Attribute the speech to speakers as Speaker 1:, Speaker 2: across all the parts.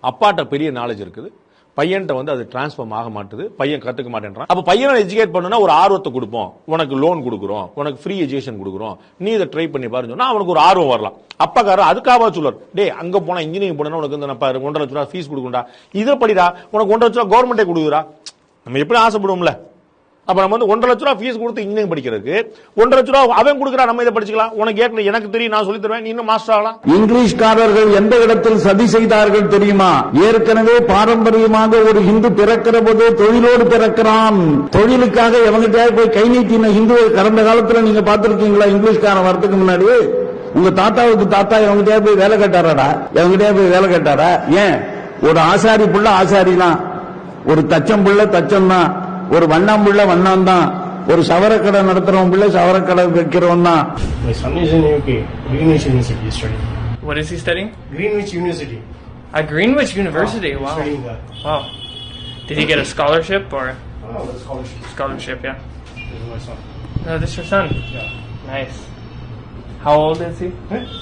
Speaker 1: அப்பாட்ட பெரிய நாலேஜ் இருக்குது, பையன்ட்ட வந்து அது டிரான்ஸ்ஃபார்ம் ஆக மாட்டுது, பையன் கத்துக்க மாட்டேன்றான். அப்ப பையனை எஜுகேட் பண்ணா ஒரு ஆர்வத்தை கொடுப்போம், உனக்கு லோன் கொடுக்குறோம், உனக்கு ஃப்ரீ எஜுகேஷன் கொடுக்குறோம், நீ இதை ட்ரை பண்ணி பாருன்னு சொன்னா அவனுக்கு ஒரு ஆர்வம் வரலாம். அப்பாக்காரர் அதுக்காக சொல்லுவார், டே அங்க போனா இன்ஜினியரிங் போனா உனக்கு வந்து 1.5 லட்சம் ஃபீஸ் கொடுக்குறா, இதை படிடா உனக்கு 1.5 லட்சம் கவர்மெண்டே கொடுக்குறா. நம்ம எப்படி ஆசைப்படுவோம்ல. அப்ப நம்ம வந்து 1.5 லட்சம் ஃபீஸ் கொடுத்து இன்ஜினியரிங் படிக்கிறதுக்கு 1.5 லட்சம் அவன் கொடுக்குறா, நம்ம இதை படிச்சுக்கலாம், உனக்கு ஏற்கனவே எனக்கு தெரியும் நான் சொல்லி தருவேன், நீ இன்னும் மாஸ்டர் ஆகலாம்.
Speaker 2: இங்கிலீஷ்காரர்கள் எந்த இடத்தில் சதி செய்தார்கள் தெரியுமா? ஏற்கனவே பாரம்பரியமாக ஒரு இந்து பிறக்கிற போது தொழிலோடு பிறக்கிறான். தொழிலுக்காக எவங்கிட்ட போய் கை நீட்டின இந்து கடந்த காலத்துல நீங்க பார்த்திருக்கீங்களா? இங்கிலீஷ்காரன் வரதுக்கு முன்னாடி உங்க தாத்தாவுக்கு தாத்தா எவங்கிட்ட போய் வேலை கேட்டாரா? எவங்கிட்ட போய் வேலை கேட்டாரா? ஏன்? ஒரு ஆசாரி புள்ள ஆசாரி தான், ஒரு தச்சம் புள்ள தச்சம் தான், ஒரு வண்ணம் புள்ள வண்ணம் தான், ஒரு சவரக்கடை நடத்துறவன் பிள்ளை சவரக்கடை வைக்கிறவன் தான்.
Speaker 3: My son is in UK, Greenwich University studying.
Speaker 4: What is he studying?
Speaker 3: Greenwich University.
Speaker 4: At Greenwich University.
Speaker 3: He's
Speaker 4: Wow.
Speaker 3: studying that.
Speaker 4: Wow. Did he get a scholarship or?
Speaker 3: Oh, that's scholarship.
Speaker 4: Scholarship, yeah.
Speaker 3: This is my son.
Speaker 4: No, this is your son.
Speaker 3: Yeah.
Speaker 4: Nice. How old is he?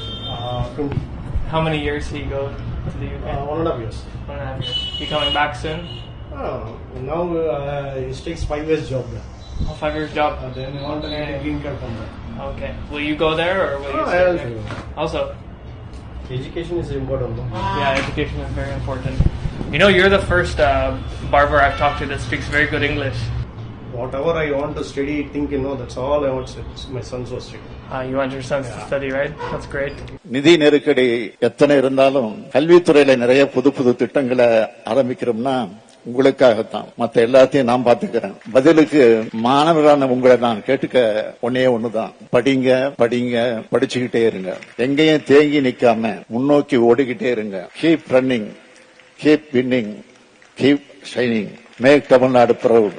Speaker 3: 20.
Speaker 4: How many years did he go to the UK?
Speaker 3: 1.5 years.
Speaker 4: 1.5 years. He coming back soon?
Speaker 3: Now he takes 5 years job there.
Speaker 4: Oh, 5 years job.
Speaker 3: Then he want to get a green card from there.
Speaker 4: Okay. Will you go there or will you
Speaker 3: I
Speaker 4: stay
Speaker 3: also
Speaker 4: there?
Speaker 3: go.
Speaker 4: Also.
Speaker 3: Education is important. No?
Speaker 4: Yeah, education is very important. You know, you're the first barber I've talked to that speaks very good English.
Speaker 3: Whatever I want to study, think, that's all I want to study. My sons were studying.
Speaker 4: You want your sons to study, right? That's great.
Speaker 5: நிதி நெருக்கடி எத்தனை இருந்தாலும் கல்வித்துறையில நிறைய புது புது திட்டங்களை ஆரம்பிக்கிறோம்னா உங்களுக்காகத்தான். மத்த எல்லாத்தையும் நான் பாத்துக்கிறேன். பதிலுக்கு மாணவரான உங்களை நான் கேட்டுக்க ஒன்னே ஒண்ணுதான், படிங்க படிங்க, படிச்சுக்கிட்டே இருங்க, எங்கேயும் தேங்கி நிக்காம முன்னோக்கி ஓடிக்கிட்டே இருங்க. Keep running, keep winning, keep shining, make Tamil Nadu proud.